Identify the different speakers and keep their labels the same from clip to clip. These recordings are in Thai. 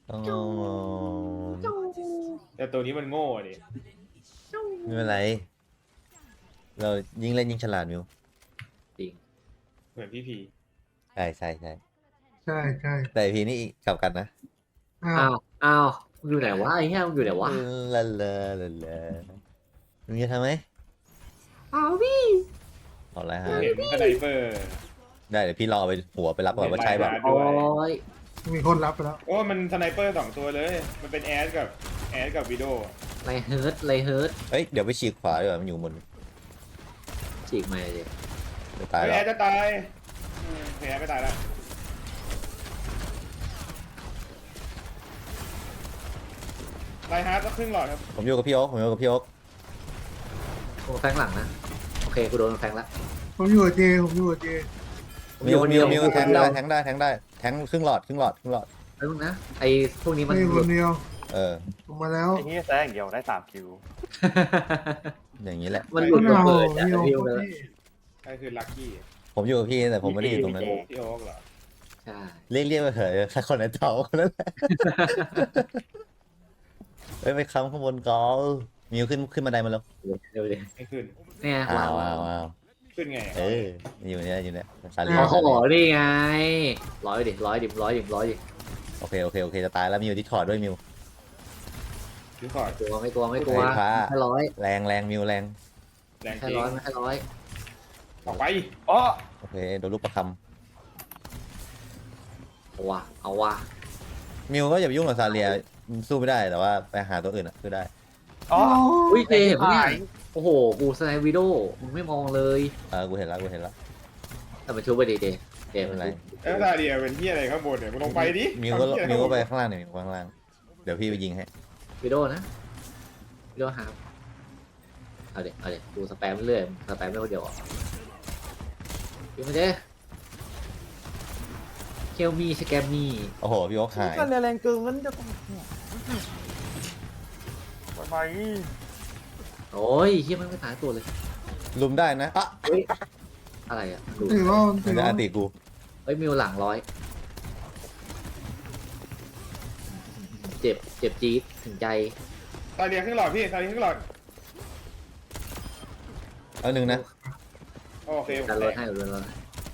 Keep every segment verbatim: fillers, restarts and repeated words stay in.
Speaker 1: อ๋อ
Speaker 2: แต่ตัวนี้มันโง่ดิ
Speaker 1: ไม่เป็นไรเรายิ่งเล่นยิ่งฉลาดมิว
Speaker 3: จริง
Speaker 2: เหมือนพี่พี
Speaker 1: ใช่ใช่ใช่
Speaker 4: ใช่ใช่
Speaker 1: แต่พีนี่กลับกันนะ
Speaker 4: อ้า
Speaker 3: อ้าว วอ้าวมึงอยู่ไหนวะไอ้เหี้ยมึงอยู่ไหนวะ
Speaker 1: ลาลาลาลามึงจะทำไหม
Speaker 3: อ้าวพี่
Speaker 1: เอาละ
Speaker 2: ผ
Speaker 1: ฮะ
Speaker 2: มเห็นสไนเปอร์
Speaker 1: ได้เดี๋ยวพี่รอไปหัวไปรับก่อนว่าใช่ป่ะ
Speaker 3: โอ้ย
Speaker 4: มีคนรับไปแล้ว
Speaker 2: โอ้มันสไนเปอร์สองตัวเลย มันเป็นแอสกับแอสกับวิโด
Speaker 3: ไรเฮิร์ตไรเฮิร์ต
Speaker 1: เอ้ยเดี๋ยวไปฉีกขวาดีกว่ามันอยู่บน
Speaker 3: ฉีกมาเลย
Speaker 1: เดี๋ยวตาย
Speaker 2: เฮ้ย
Speaker 1: แล้
Speaker 2: แอ
Speaker 1: ว
Speaker 2: สจะตายอืมแอสไม่ตายแล้วไลฮาร์ดก็ครึ่งหลอดครับ
Speaker 1: ผมอยู่กับพี่โอ๊คผมอยู่กับพี่โอ๊ค
Speaker 3: โอ้แฟงหลังนะโอเคกูโดนแฟงละ
Speaker 4: ผมอยู่กับเจผมอยู่กับเจ
Speaker 1: มิวมิวมิวแทงได้แทงได้แทงได้แทงครึ่งหลอดครึ่งหลอดครึ่งหลอด
Speaker 3: ไอ้พวกนะไอ้พวกนี้มัน
Speaker 4: ไม่คนเดียว
Speaker 1: เออ
Speaker 4: ผมมาแล้ว
Speaker 5: ไอ้นี่แซงอย่างเดียวได้สามคิว
Speaker 1: อย่างนี้แหละ
Speaker 3: มันหลุด
Speaker 4: เอา
Speaker 3: ระเบิดจาก
Speaker 4: พี่โอ
Speaker 3: พิว
Speaker 4: ค
Speaker 3: เลย
Speaker 4: พี่
Speaker 2: ใช่คือลัคกี้
Speaker 1: ผมอยู่กับพี่แต่ผมไม่ได้อยู่ตรงนั้น
Speaker 5: พี่
Speaker 2: พี่โอ๊กเหรอ
Speaker 3: ใช่
Speaker 1: เรียกเรียกไปเถอะถ้าคนไหนเต่าคนนั้นแหละเฮ้ยไปค้ำข้างบนกอลมิวขึ้นขึ้นบันไดมาแล้ว
Speaker 3: เร็วเลย
Speaker 2: ไม่ขึ้น
Speaker 3: เนี่ย
Speaker 1: อ้าว
Speaker 3: วา
Speaker 1: อ้าง วอ้าว
Speaker 2: ขึ้นไง
Speaker 1: เอออยู่เนี่ยอยู่เนี่ยซาเลีย
Speaker 3: อ๋อ
Speaker 1: ซา
Speaker 3: โห
Speaker 1: เลีย
Speaker 3: นี่ไงร้อยดิร้อยดิร้อยดิร้อยดิ
Speaker 1: โอเคโอเคโอเคจะตายแล้วมิวที่ถอดด้วยมิว
Speaker 2: ดิคอร์ด
Speaker 3: กลัวไม่กลัวไม่กลัว
Speaker 1: ไฟฟ้า
Speaker 3: แค่ร้อย
Speaker 1: แรงแรงมิวแรง
Speaker 2: แรง
Speaker 3: แค่
Speaker 2: จริง
Speaker 3: ร้อยไม่แค่ร้อย
Speaker 2: ออกไป
Speaker 5: อ๋อ
Speaker 1: โอเคโดนลูกประค
Speaker 3: เอาว่ะเอาว่ะ
Speaker 1: ำมิวก็อย่าไปยุ่งกับซาเลียสู้ไม่ได้แต่ว่าไปหาตัวอื่นอ่ะสู้ได้
Speaker 5: อ๋อ
Speaker 3: อุ้ยเจเห็นปะเนี่ยโอ้โหกูสไนวิโดมึงไม่มองเลย
Speaker 1: เออกูเห็นแล้วกูเห็นแล้ว
Speaker 3: แต่มันชุบไปดีเจเจ
Speaker 1: ไม่
Speaker 3: มั
Speaker 1: เป็น นไร
Speaker 3: ชุบ
Speaker 2: เอ้ยตาเดียเป็นที่อะไรข้างบนเนี่ยมึงลงไปดิ
Speaker 1: มิวก็
Speaker 2: ทำเหี้ยอะไร
Speaker 1: มิวก็ไป
Speaker 2: ข้างบน
Speaker 1: ข้างล่างหน่อยมิวข้างล่างเดี๋ยวพี่ไปยิงให้
Speaker 3: วิโดนะวิโดหาเอาเด็เอาเด็กูสแปมเรื่อยสแปมไม่คนเดียวอ่ะยิงมาเจเคลมีสแกมมี
Speaker 1: โอ้โหพี่โอ๊คหาย
Speaker 5: กันแรงเกินมันจะต้องทำไม
Speaker 3: โอ้ยเฮียมันไม่ตายตัวเลย
Speaker 1: ลุมได้นะอ่ะ
Speaker 3: อะไรอ่ะดู
Speaker 4: ถือว่า
Speaker 1: มั
Speaker 4: ถื
Speaker 1: น
Speaker 4: อ
Speaker 1: จะ
Speaker 4: ว่า
Speaker 1: อันติกู
Speaker 3: เฮ้ยมิวหลังร้อยเจ็บเจ็บจี๊ดถึงใจ
Speaker 2: ตาเดียครึ่งหลอดพี่ตาเดียครึ่งหลอด
Speaker 1: เอาหนึ่งนะ
Speaker 2: โอเคผม
Speaker 3: การล
Speaker 2: แต
Speaker 3: ด
Speaker 2: ก
Speaker 3: ให้ลดให้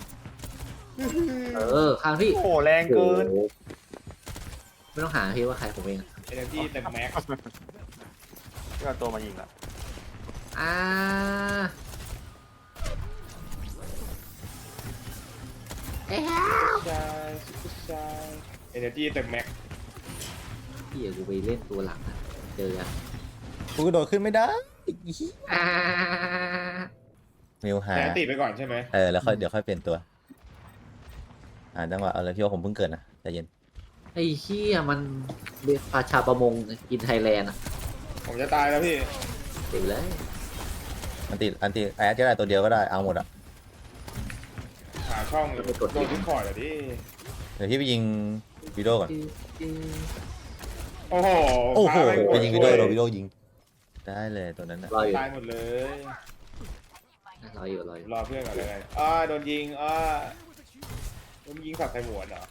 Speaker 3: เออข้างพี่
Speaker 5: โอ้โหแรงเกิน
Speaker 3: โอ้โหไม่ต้องหาพี่ว่าใครผมเองอะ
Speaker 2: เอเนจีเต็มแม็ก
Speaker 5: ที่เอาตัวมายิงอ่ะ
Speaker 3: อ่า
Speaker 2: ชายซุปเปอร์ชายเอเนจีเต็มแม็ก
Speaker 3: พี่อย่ากูไปเล่นตัวหลังนะเจออะ
Speaker 1: กูกระโดดขึ้นไม่ได้
Speaker 3: อ่า
Speaker 1: มิวหา
Speaker 2: แต่ติดไปก่อนใช่ไหม
Speaker 1: เออแล้วค่อยเดี๋ยวค่อยเปลี่ยนตัวอ่าจังหวะเอาเลยพี่โอ๊คผมเพิ่งเกิดนะใจเย็น
Speaker 3: ไอ้เหี้ยมันเรียกปลาชาประมงกินไทยแลนด์อะ
Speaker 2: ผมจะตายแล้วพี่
Speaker 3: เดี๋ยวเลย
Speaker 1: อันติอันติแอดก็ได้ตัวเดียวก็ได้เอาหมดอ่ะ
Speaker 2: หาช่องโดนดิสคอร์ดอ่ะดิ
Speaker 1: เดี๋ยวพี่ไปยิงวิดีโอก่อน
Speaker 2: โอ้โห
Speaker 1: โอ้โห
Speaker 2: ฟ้าม่
Speaker 1: ไปยิงวิดีโอ
Speaker 2: ช่
Speaker 1: โดนวิดีโอยิงได้เลยตัวนั้นนะ
Speaker 3: รออยู่
Speaker 2: ตายหมดเลย
Speaker 3: รออยู่รออยู่
Speaker 2: รอเพื่อนก่อนเลยกันอ้าโดนยิงอ้าโดนยิงสับใส่หมวนเหรอ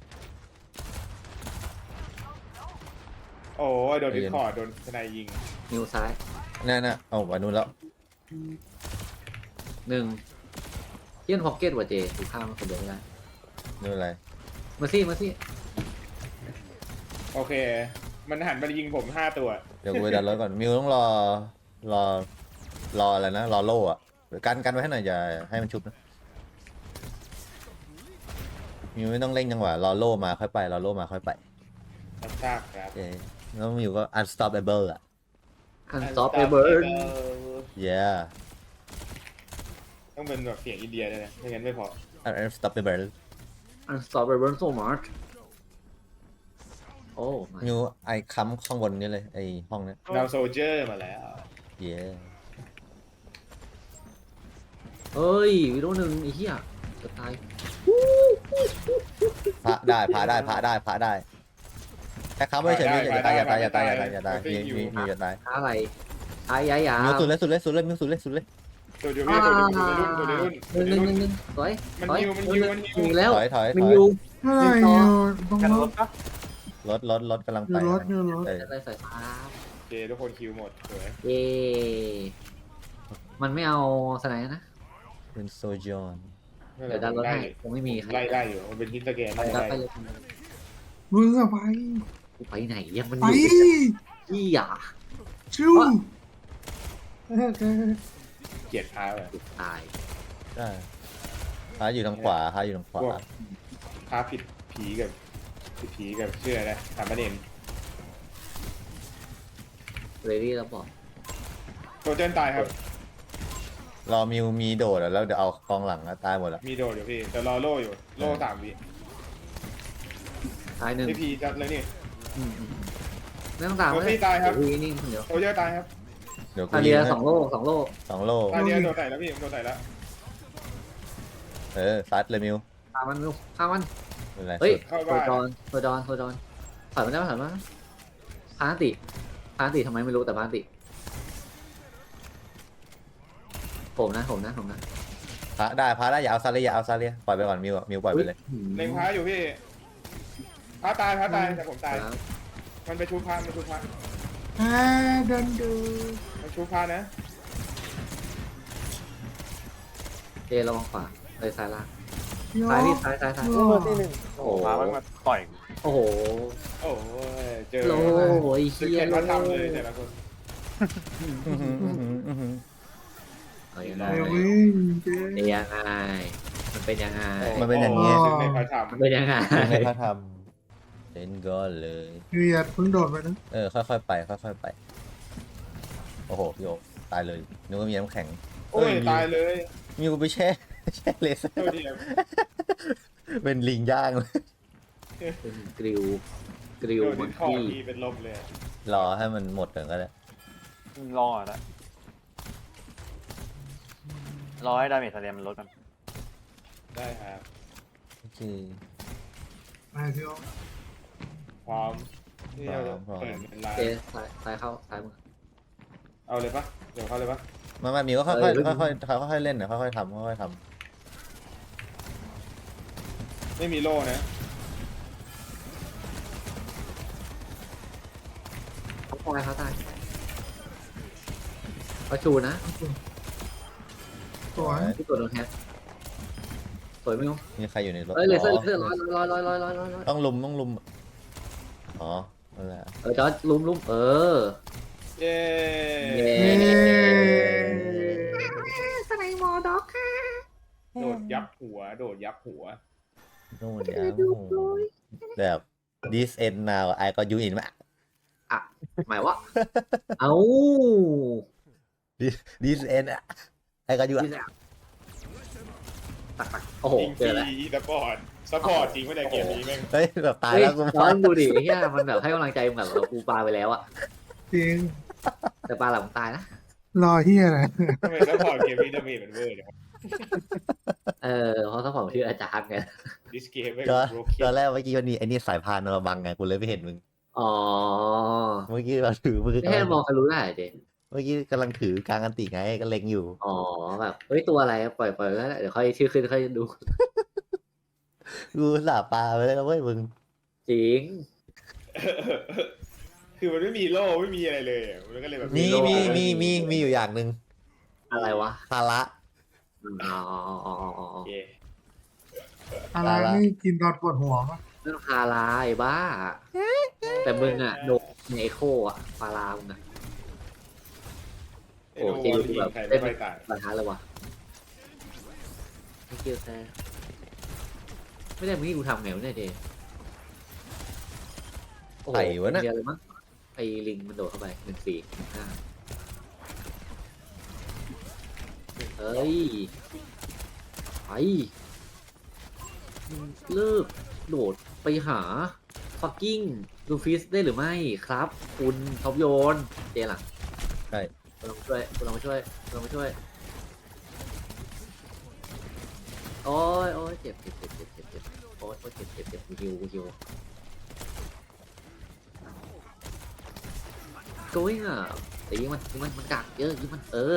Speaker 2: โอ้ยโดนดิสคอร์ดโดนทนายยิง
Speaker 3: นิ้วซ้าย
Speaker 1: นั่นน่ะเอาวันนู้นแล้ว
Speaker 3: หนึ่งเยี่ยนพ็อกเก็ตว่ะเจดูข้ามมันคนเดียวไม่ได้
Speaker 1: นี่อะไร
Speaker 3: มาซี่มาซี่
Speaker 2: โอเค มันหันมายิงผมห้าตัว
Speaker 1: เดี๋ยวกูไปดันรถก่อนมิวต้องรอรอรออะไรนะรอโล่อะกันกันไว้ให้หน่อยอย่าให้มันชุบนะมิวไม่ต้องเร่งจังหวะรอโล่มาค่อยไปรอโล่มาค่อยไป
Speaker 2: รับทราบครับ
Speaker 1: เอ้ยแล้วมิวก็ unstoppable อะ
Speaker 3: อันซอฟต์เบิร์น
Speaker 1: yeah
Speaker 2: ต้องเป็นแบบเสียงอินเดียด้วยนะไม่งั้นไม่พอ
Speaker 1: unstoppable
Speaker 3: อันซอฟต์เบิร์นโซมาร์ทโอ้ my
Speaker 1: มิวไอค้ำข้างบนนี่เลยไอห้องเนี้ย
Speaker 2: ดาวโซเจอร์มาแล้ว
Speaker 1: yeah
Speaker 3: เฮ้ยวิดีโอหนึ่งไอ้เหี้ยจะตาย
Speaker 1: พระได้พระได้พระได้พระได้แค่ค้ำไว้เฉยมิวอย่าตายอย่าตายอย่าตายอย่าตายอย่าตายมีมีมีอย่าตาย
Speaker 3: หาอะไรหายายา
Speaker 1: มิวสุดเลยสุดเลยสุดเลยมิวสุดเลยสุดเลย
Speaker 2: ตัวเดียวพี่ตัวเดียวตัวเดียวตัวเดียว
Speaker 3: หนึ่งหนึ่งหนึ่งหนึ่งสวย
Speaker 2: มัน
Speaker 3: สวย
Speaker 2: ยิวมันยิวมันยิว
Speaker 3: มีแล้ว
Speaker 1: ถอยถอยถ
Speaker 3: มัน
Speaker 1: อย
Speaker 3: อยู่
Speaker 4: อะไรอยู่ตรง
Speaker 5: กัน
Speaker 4: ร
Speaker 5: ร
Speaker 4: ถ
Speaker 5: ถปะ
Speaker 1: รถรถรถกำลัง
Speaker 4: เรื
Speaker 1: ไป
Speaker 4: อรถเรือรถ
Speaker 1: เออ
Speaker 3: ได้สายฟ้า
Speaker 2: โอเคทุกคนคิวหมดสวย
Speaker 3: เย่มันไม่เอาสไนด์นะ
Speaker 1: เป็นโซจอน
Speaker 2: ไม่ป็
Speaker 3: เดี๋ยวดันรถ
Speaker 2: ไล่
Speaker 3: ให้คงไม่มีใคร
Speaker 2: ไล่ได้อยู่มันเป็นฮิตสแกน
Speaker 3: ไป
Speaker 2: ไล่
Speaker 3: รับ
Speaker 2: ได้
Speaker 3: ไปเลย
Speaker 4: มึงอะไป
Speaker 3: กูไปไหนยังมันอ
Speaker 4: ไป
Speaker 3: ยู่ที่อ่ะ
Speaker 4: ชิวเออเออ
Speaker 2: เกลียดพาแบบ
Speaker 3: ติดตาย
Speaker 1: ได้พาอยู่ทางขวาพาอยู่ทางขวา
Speaker 2: พวกพาผิดผีกับผิดผีกับเชื่อนะถามประเด็น
Speaker 3: เรดี้แล้วบอก
Speaker 2: โซเจนตายครับ
Speaker 1: รอมิวมีโดดอะแล้วเดี๋ยวเอากองหลังอะตายหมดละ
Speaker 2: มีโดดอยู่พี่แต่รอโล่อยู่โล่สามวิ
Speaker 3: ตายหนึ่ง
Speaker 2: พี่พีจัดเลยนี่
Speaker 3: อืมอืมไม่ต้องตาม
Speaker 2: โรซี่ตายครับ
Speaker 3: เดี๋ววีนี่คนเดียว
Speaker 2: โซเจนตายครับ
Speaker 1: เดี๋ยวกู
Speaker 3: อา
Speaker 1: ยิ
Speaker 3: เรีย
Speaker 1: ง
Speaker 3: สองโล่สองโล่
Speaker 1: สองโล
Speaker 2: ตายเดียวโดดใส่แล้วพี่ผมโดดใส่แล้ว
Speaker 1: เออซัดเลยมิว
Speaker 3: ตามมันลูกข้ามมัน
Speaker 1: เป็นไร
Speaker 3: เฮ้ย
Speaker 1: สุด
Speaker 2: เข้า
Speaker 3: โซ
Speaker 2: บ้าน
Speaker 3: ดอนโซดอนโซดอนถอยมาได้ไหมถอยมาพาติพาติทำไมไม่รู้แต่พาติผมนะผมนะผมนะ
Speaker 1: พาได้พาได้อย่าเอาซาเลียอย่าเอาซาเลียปล่อยไปก่อนมิวอะมิวปล่อยไปเลย
Speaker 2: เล็งพาอยู่พี่พาตายพาตายแต่ผมตาย
Speaker 3: ครับ
Speaker 2: มันไปชูพามันชูพา
Speaker 4: แพ้เดินดู
Speaker 2: มันชูพานะ
Speaker 3: เจระวังขวาเลยซ้ายล่าง
Speaker 4: โย
Speaker 3: ซ้ายพี่ซ้ายซ้ายซ้าย
Speaker 4: โย
Speaker 5: โอ้ที่หนึ่งโอ้โหมามันมาต่อย
Speaker 3: โอ้โห
Speaker 2: โอ้ยเจอ
Speaker 3: โลโอ้ย
Speaker 2: สึก
Speaker 3: เฮีย
Speaker 2: เห็น
Speaker 3: โล
Speaker 2: พระธรรมเลยแต่ละคน
Speaker 1: อื้อหืออื้อหืออื้อหือ
Speaker 3: เอายังไง
Speaker 4: เดี๋ยววิ่งเจ๊
Speaker 3: เป็นยังไงมันเป็นยังไง
Speaker 1: มันเป็นอย่างเงี้ย
Speaker 2: สึกในพระธรรม
Speaker 3: มันเป็นยังไง
Speaker 1: ถึงให้เขาทำเล่นก็เลย
Speaker 4: เกลียดเพิ่งโดดไปนะ
Speaker 1: เออค่อยๆไปค่อยๆไปโอ้โหโยกตายเลยนึกว่ามีน้ำแข็ง
Speaker 2: โอ้ยตายเลย
Speaker 1: มิวไปแช่แช่เลเซอ
Speaker 2: โทษ
Speaker 1: ร์
Speaker 2: ทีครับ
Speaker 1: เป็นลิงย่างเลย
Speaker 3: เป็นกริวกริว
Speaker 2: โดน
Speaker 3: มั
Speaker 2: ดิ
Speaker 3: ง
Speaker 2: นคอ
Speaker 3: คี้
Speaker 2: ทีเป็นลมเลย
Speaker 1: รอให้มันหมดก่อนก็ได้
Speaker 5: รออ่ะนะรอให้ดาเมจทะเลมันลดกัน
Speaker 2: ได้ครับ
Speaker 1: โอเค
Speaker 4: ไปพี่โอ
Speaker 2: พร้อมนี่เราจะ
Speaker 1: พร้อม
Speaker 2: เปิดเป็นไล
Speaker 3: เจ
Speaker 2: น์
Speaker 3: ซ้ายซ้ายเข้าซ้ายมือ
Speaker 2: เอาเลยปะเดี๋ยวเข้าเลยปะ
Speaker 1: มามามิวก็ค่อย
Speaker 3: เออ
Speaker 1: ๆค่อยๆค่อยๆเล่นนะค่อยๆทำค่อยๆท
Speaker 2: ไม่มีโล่นะ
Speaker 3: เขาตายเขาตายเขาชูนะ
Speaker 4: สวย
Speaker 3: ที่ตัวโดนแฮกสวยไหมครับ
Speaker 1: ำมีใครอยู่ในรถ
Speaker 3: เอ้ยเลเซอร์
Speaker 1: อ๋
Speaker 3: เลเซอร์ร้อยร้อยร้อยร้อยร้อยร้อยร้อย
Speaker 1: ต้องลุมต้องลุมอ๋อนั่นแหละ
Speaker 3: เออจอร์จลุมลุมเออ
Speaker 2: เย้
Speaker 3: เย้
Speaker 4: สไนมอร์ด็อกค่ะ
Speaker 2: โดดยับหัว โดดยับหัว
Speaker 1: โน่นยาวโอ้โหแบบ this end now I got you in มา
Speaker 3: อ่ะหมายว่า เอ้า
Speaker 1: this this end อะ I got you อะ
Speaker 3: ตักตักโอ้โห
Speaker 2: จริง
Speaker 3: เจอแล้ว
Speaker 2: จีสปอร์ตสปอร์ตจริงไม่ได้เกมนี้แม่ง
Speaker 1: เฮ้ยแบบตาย
Speaker 3: เฮ้ย
Speaker 1: แล้วกู
Speaker 3: จอร์จดูดิไอ้เฮียมันแบบให้กำลังใจมึงแบบเรากูปาไปแล้วอะ
Speaker 4: จริง
Speaker 3: แต่ปลาหลังตายนะ
Speaker 4: รอเฮียอะไร
Speaker 2: ทำไมสปอร์ตเกมนี้ดาเมจมันเวอร์เนี่ย
Speaker 3: เออเพราะถ้าผมชื่ออาจารย์ไง
Speaker 2: ดิสเกมไม่
Speaker 1: ตอน
Speaker 2: โรค
Speaker 1: ตอนแรกเมื่อกี้วันนี้ไอ้นี่สายพานมาบังไงกูเลยไม่เห็นมึง
Speaker 3: อ๋อ
Speaker 1: เมื่อกี้เราถือมือ
Speaker 3: ไม่ให้มองทะลุได้เจ
Speaker 1: เมื่อกี้กำลังถือกลางอันติไงก็เล็งอยู่
Speaker 3: อ๋อแบบเฮ้ยตัวอะไรปล่อยปล่อยแล้วเดี๋ยวค่อยชื่อขึ้นค่อยดู
Speaker 1: กูสาปลาไปเลยนะเว้ยมึง
Speaker 3: จริง
Speaker 2: คือมันไม่มีโล่ไม่มีอะไรเลยอะมันก็เลยแบบ
Speaker 1: มี
Speaker 2: โล่
Speaker 1: มีมีมีมีอยู่อย่างหนึ่ง
Speaker 3: อะไรวะ
Speaker 1: ภาระ
Speaker 3: อ๋ออ๋ออ๋ออ๋อ
Speaker 2: โอเค
Speaker 4: อะไรนี่กินตอนปวดหัวปะ
Speaker 3: เรื่องพาราไอ้บ้า แต่มึงอะโดนในเอโคอะพารามึงอะ
Speaker 2: ไอ้โนวอลยิงใครไม่ค่อยตาย
Speaker 3: ปัญหาเลยวะไม่เกี่ยวแท้ไม่ได้มึงนี่กูทำไงวะเนี่ยเจโอ้โห
Speaker 1: ไข่วะน่ะ
Speaker 3: เดียวเลยมั้งไอ้ลิงมันโดดเข้าไปหนึ่งสี่หนึ่งห้าเฮ้ยไปมึงเลิกโดดไปหาฟักกิ้งลูฟิสได้หรือไม่ครับ คุณท็อปโยนเจหลัง
Speaker 1: ใช่
Speaker 3: คุณลองมาช่วยคุณลองมาช่วยคุณลองมาช่วยโอ้ยโอ้ยเจ็บเจ็บเจ็บเจ็บเจ็บเจ็บโอ้ยโอ้ยเจ็บเจ็บเจ็บกูฮิวกูฮิวโก้ยอ่ะแต่ยิงมันยิงมันมันกักเยอะยิงมันเออ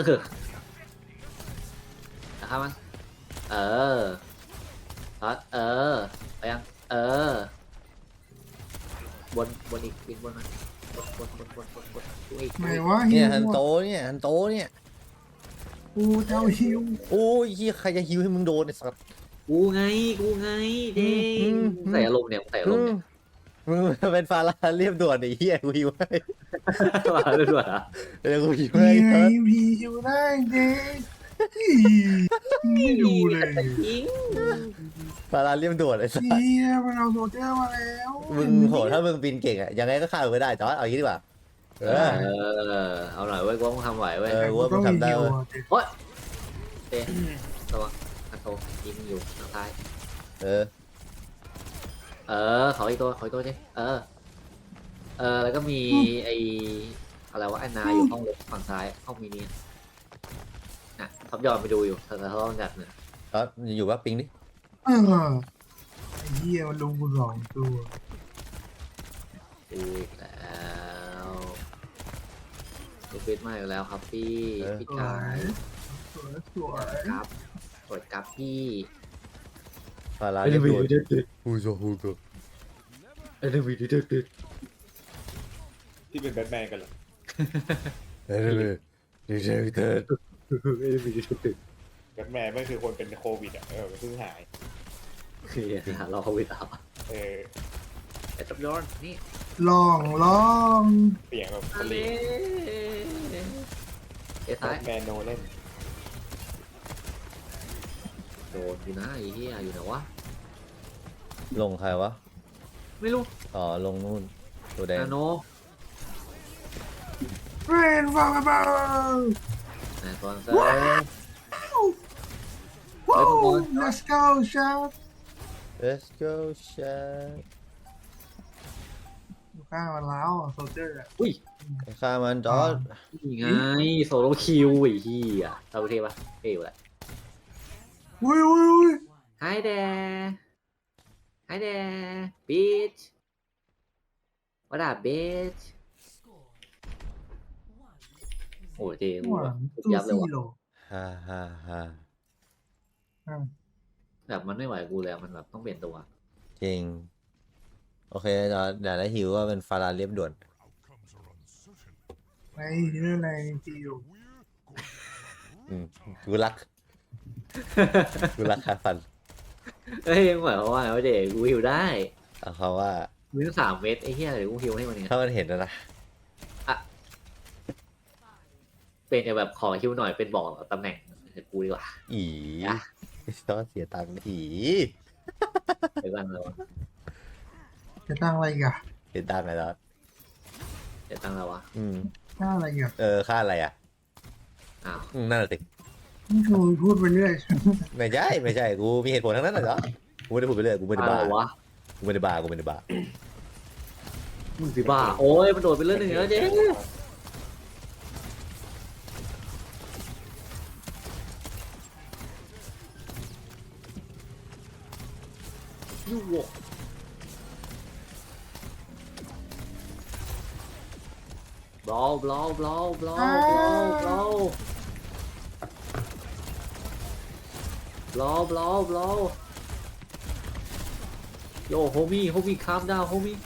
Speaker 3: นะครับมันเออทัดเออไปยังเออบนบนอีกบินบนมาบนบนบนบนบนบนดูอีก
Speaker 4: ไหนวะ
Speaker 1: เนี่
Speaker 4: ฮิ
Speaker 1: ยว ฮันโตเนี่ยฮันโตเนี่ย
Speaker 4: กูเจ้าฮิว
Speaker 1: โอ้ยเหี้ยใครจะฮิวให้มึงโดนไอ้สัส
Speaker 3: กูไงกูไงเด้
Speaker 1: อืม
Speaker 3: ใส่อารมณ์เนี่ยใส่อารมณ์เนี่ย
Speaker 1: มึงเป็นฟาราเรียบด่วนไอ้เหี้ยกูฮิวให้
Speaker 3: มาด้วยด้วยอ่ะ
Speaker 1: เดี๋ยวกูฮิว
Speaker 4: พี
Speaker 1: ให้
Speaker 4: ไง
Speaker 1: เถอะ
Speaker 4: พีฮิวได้เด็กไม่ดูเลย
Speaker 3: จริง
Speaker 1: ฟาราเรียบด่วนไอ้สัส
Speaker 4: เฮียมันเอาโซเจอร์มาแล้ว
Speaker 1: มึงโหถ้ามึงบินเก่งอะยังไงก็ฆ่ามึงไม่ได้จอร์ดเอาอย่างนี้ดีกว่าเอ
Speaker 3: เอ
Speaker 1: อ
Speaker 3: อเอาหน่อยเว้ยกูว่ามึงทำไหวเว้ย
Speaker 1: เออ
Speaker 4: กูต้องมีฮิวอะ
Speaker 3: โอ๊ยเต้ระวังอันโตยิงอยู่ทางซ้าย
Speaker 1: เออ
Speaker 3: เออขออีกตัวขออีกตัวเจ๊เออ เออแล้วก็มีไออะไรวะไอ้นาอยู่ห้องเล็กฝั่งซ้ายห้องมินิน่ะท็อปยอดไปดูอยู่แต่เขาต้องจัดเนี่ย
Speaker 1: จอร์ดอยู่ว่าปิงดิ
Speaker 4: เออไอ้เฮียมันลงกูสองตัว
Speaker 3: ดูอีกแล้วดูฟิตมากอีกแล้วครับพี่พี่
Speaker 4: สว
Speaker 3: ชาย
Speaker 4: ยสวยสวย
Speaker 3: ครับกดกับพี่
Speaker 1: ฟาราเรียบด่วนฮูโซฮูโซ
Speaker 3: เอ็นวีดีดึด
Speaker 2: ที่เป็นแบทแมนกันเหรอ
Speaker 1: เออเออดีเจวิเตอร์
Speaker 3: เอ็นวีดีดึด
Speaker 2: แบทแมนไม่คือคนเป็นโควิดอ่ะเออมันเพิ่งหาย
Speaker 3: เฮียหาเราโควิดเอา
Speaker 2: เออ
Speaker 3: ไอ้ท็อปยอดนี่
Speaker 4: ลองลอง
Speaker 2: เสียงแบบ
Speaker 3: อัน
Speaker 2: เลี
Speaker 3: นี้เอ้
Speaker 2: แบ
Speaker 3: ท้าย
Speaker 2: ทแมนโนเล่น
Speaker 3: โดนอยู่นะไอ้เฮียอยู่ไหนวะ
Speaker 1: ลงใครวะ
Speaker 3: ไม่รู้
Speaker 1: อ๋อลงนู่นตัวแดง
Speaker 3: นาโน
Speaker 4: เรนฟังเบา
Speaker 3: นะตอนเซ
Speaker 4: ว้าวว้าว let's go shot
Speaker 1: เลสโก้ชา
Speaker 4: อยู่ข้างมันแล้วโซเจอร์อะ
Speaker 3: อุ้ย
Speaker 1: ฆ่ามันจอร์ด
Speaker 3: นี่ไงโซโลคิวไอ้เฮียเอาเทปะเท่อยู่แหละ
Speaker 4: อุ้ยอุ้ยอุ้ย
Speaker 3: Hi there Hi there bitch What up bitch โอ้เจ๋ง
Speaker 4: หวา
Speaker 3: ว่ะ
Speaker 4: นตู้
Speaker 3: ยับเลย
Speaker 4: ซี่
Speaker 3: ว่ะ
Speaker 4: โล
Speaker 1: ฮ่าฮ่าฮ่า
Speaker 4: อ่ะ
Speaker 3: แบบมันไม่ไหวกูเลยอะมันแบบต้องเปลี่ยนตัว
Speaker 1: จริงโอเคจอร์ดเดี๋ยวได้ฮิวว่าเป็นฟาราเรียบด่วน
Speaker 4: ไอ้เรื่องอะไรจิว
Speaker 1: อืมกูรักกูรักคาฟัน
Speaker 3: เฮ้ยหมายความว่าไงวะเด็กกูฮิวได้
Speaker 1: เอาเขาว่า
Speaker 3: มึงสามเม็ดไอ้เหี้ยเดี๋ยวกูฮิวให้มันเอง
Speaker 1: ถ้ามันเห็นนะนะ
Speaker 3: เป็นแบบขอฮิวหน่อยเป็นบอกตำแหน่งกูดีกว่า
Speaker 1: อี
Speaker 3: อ่ะ
Speaker 1: ต้องเสียตังค์อี
Speaker 3: เดี๋ยวกันเลยวะ
Speaker 4: จะตั้งอะไรอีกอ่ะ
Speaker 1: เสียตังค์ไงจอร์ด
Speaker 3: เดี๋ยวตั้งแล้ววะ
Speaker 1: อืม
Speaker 4: ตั้งอะไรอีกอ่ะ
Speaker 1: เออค่าอะไรอ่ะ
Speaker 3: อ้าว
Speaker 1: อืมนั่นแหละสิ
Speaker 4: นี่คือพูดไปเรื่อย
Speaker 1: ไม่ใช่ไม่ใช่กูมีเหตุผลทั้งนั้นนะจอร์ดกูไม่ได้พูดไปเรื่อยกูไม่ได้
Speaker 3: อ้า
Speaker 1: บ้าว
Speaker 3: วะ
Speaker 1: กูไม่ได้บ้ากูไม่ได้บ้า
Speaker 3: มึงสิบ้าโอ้ยมันโดดไปเรื่องหนึ่งแล้วเจ๊ยูโวบลบลบลบลบลบลบลบลบลบโยโฮมี่โฮมี่คามดาวโฮมี่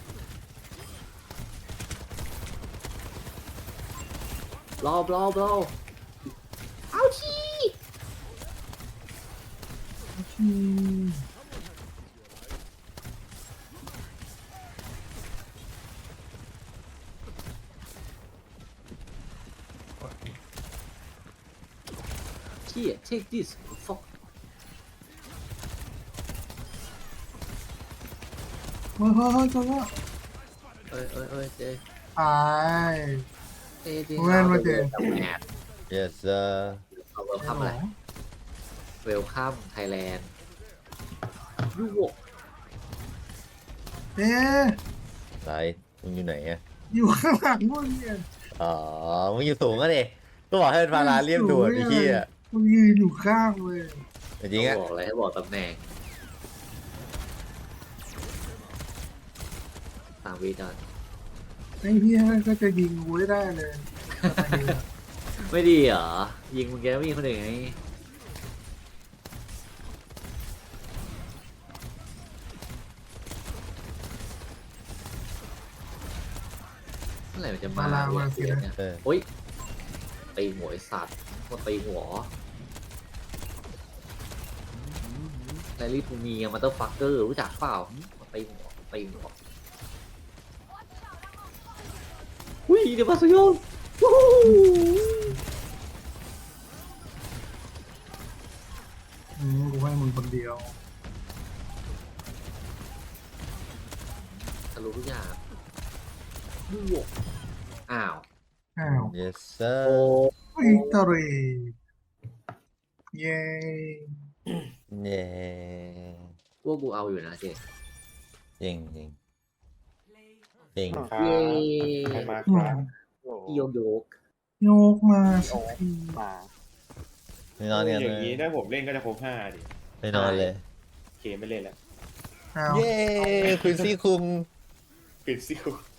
Speaker 3: บลบลบลบเอาชี
Speaker 4: อืม
Speaker 3: Here, take this. Fuck.
Speaker 4: เฮ้ยเฮ้ยเฮ้ยจังวะ
Speaker 3: เอ้ยเอ้ยเอ้ยเจ๊
Speaker 4: ตาย
Speaker 3: เจ๊เจ๊
Speaker 4: เว้นมาเจ๊
Speaker 1: yes sir
Speaker 3: เอาเวลคัมอะไรเวลคัมไทยแลนด์ยูโว
Speaker 4: เอ๊ะ
Speaker 1: ไหนมึงอยู่ไหนอ่ะ
Speaker 4: อยู่ข้างหลังมึงเนี่ย
Speaker 1: อ๋อมึงอยู่สูงก็ดิก็บอกให้เป็นฟาราเรียบด่วนไอ้เหี้ย
Speaker 4: มึงยืนอยู่ข้างเลย
Speaker 1: จริงๆอ่ะ
Speaker 3: บอกอะไรให้บอกตำแหน่งตามวีดอน
Speaker 4: ไอ้เหี้ยก็จะยิงกูให้ได้เลย
Speaker 3: ไม่ดีเหรอ ยิงมึงแกไม่มีคนอื่นไงเมื่อไหร่มันจะมา
Speaker 4: มาลามาสิ
Speaker 3: เนี่ย
Speaker 4: นะ
Speaker 3: เนี่ย
Speaker 1: เออ
Speaker 3: โอ้ยตีหัวไอสัตว์มาตีหัวแลลี่ทูมีมาเตอร์ฟักเกอร์รู้จักเปล่ามาตีหัวตีหัวอุ้ยเดี๋ยวมาสยองวู้ฮู้
Speaker 4: อืมกูให้มึงคนเดียว
Speaker 3: ทะลุทุกอย่างบวกอ้าว
Speaker 4: อ้าว
Speaker 1: yes sir
Speaker 3: โอ้
Speaker 4: วิกตอรีเย้
Speaker 1: เย้
Speaker 3: พวกกูเอาอยู่นะเจ
Speaker 1: จริงจริงจริง
Speaker 2: ครั
Speaker 3: เย้
Speaker 2: บใครมาครับ
Speaker 5: โอ้โห
Speaker 3: พี่โยกโยก
Speaker 4: โยกมาสักที
Speaker 5: มา
Speaker 1: ไปนอนกัน
Speaker 2: อ
Speaker 1: เล
Speaker 2: ย่างนี้
Speaker 1: ย
Speaker 2: ถ้าผมเล่นก็จะครบห้าดิ
Speaker 1: ไปนอนเลย
Speaker 2: โอเคไม่เล่นแล้ว
Speaker 4: อ้าว
Speaker 1: เย้คุณซี่คุง
Speaker 2: ปิดซิว